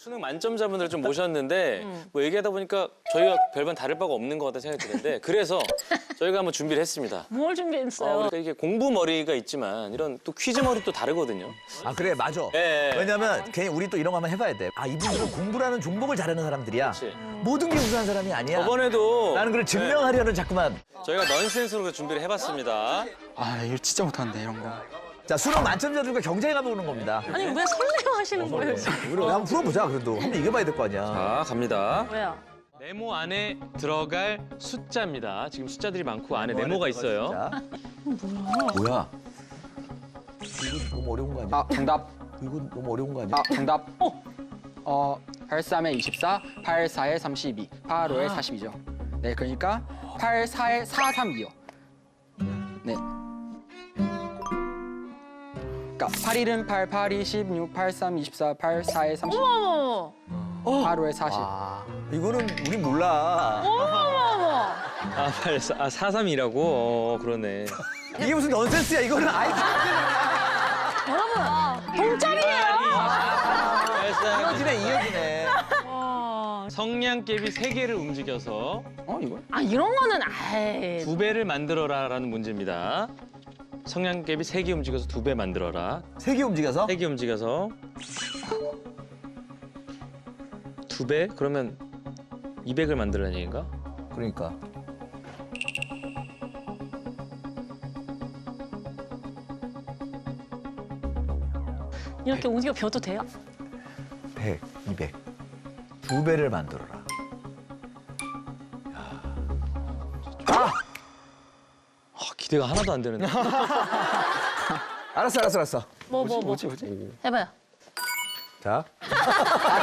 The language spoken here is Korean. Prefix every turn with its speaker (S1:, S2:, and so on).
S1: 수능 만점자분들 좀 모셨는데 뭐 얘기하다 보니까 저희가 별반 다를 바가 없는 것 같다는 생각이 드는데 그래서 저희가 한번 준비를 했습니다.
S2: 뭘 준비했어요?
S1: 그러니까 이게 공부 머리가 있지만 이런 또 퀴즈 머리 또 다르거든요.
S3: 아 그래 맞아.
S1: 예.
S3: 왜냐면 괜히 우리 또 이런 거 한번 해봐야 돼. 아 이분들은 공부라는 종목을 잘하는 사람들이야.
S1: 그렇지.
S3: 모든 게 우수한 사람이 아니야.
S1: 저번에도
S3: 나는 그걸 증명하려는 자꾸만.
S1: 저희가 넌센스로 준비를 해봤습니다.
S4: 아 이거 진짜 못하는데 이런 거.
S3: 자 수능 만점자들과 경쟁해 보는 겁니다.
S2: 아니 왜 설레어 하시는 거예요 지금?
S3: 우리 한번 풀어보자. 그래도 한번 이겨봐야 될 거 아니야.
S1: 자, 갑니다.
S2: 왜요?
S1: 네모 안에 들어갈 숫자입니다. 지금 숫자들이 많고 안에 네모가 있어요.
S3: 자. 뭐야? 이거 너무 어려운 거 아니야?
S4: 아 정답.
S3: 이거 너무 어려운 거 아니야?
S4: 아 정답. 83에 24, 84에 32, 85에 42죠. 네 그러니까 84에 432요. 네. 그러니까 81은 8, 82, 16, 83, 24, 84에 30,
S2: 어머머머.
S4: 85에 40.
S3: 아, 이거는 우리 몰라.
S2: 어머머머.
S1: 아, 432라고? 그러네.
S3: 이게 무슨 넌센스야? 이거는 아이
S2: 여러분 동점이에요.
S3: 이어지네 이어지네.
S1: 성냥개비 3개를 움직여서
S4: 이거?
S2: 아 이런 거는 아예
S1: 2배를 만들어라라는 문제입니다. 성냥개비 3개 움직여서 2배 만들어라.
S3: 색이 움직여서?
S1: 3개 움직여서 2배? 그러면 200을 만들라는 얘기인가?
S3: 그러니까.
S2: 이렇게 움직여 벼도 돼요?
S3: 100, 200. 2배를 만들어라.
S1: 기대가 하나도 안 되는데.
S3: 알았어.
S2: 뭐. 해봐요.
S3: 자.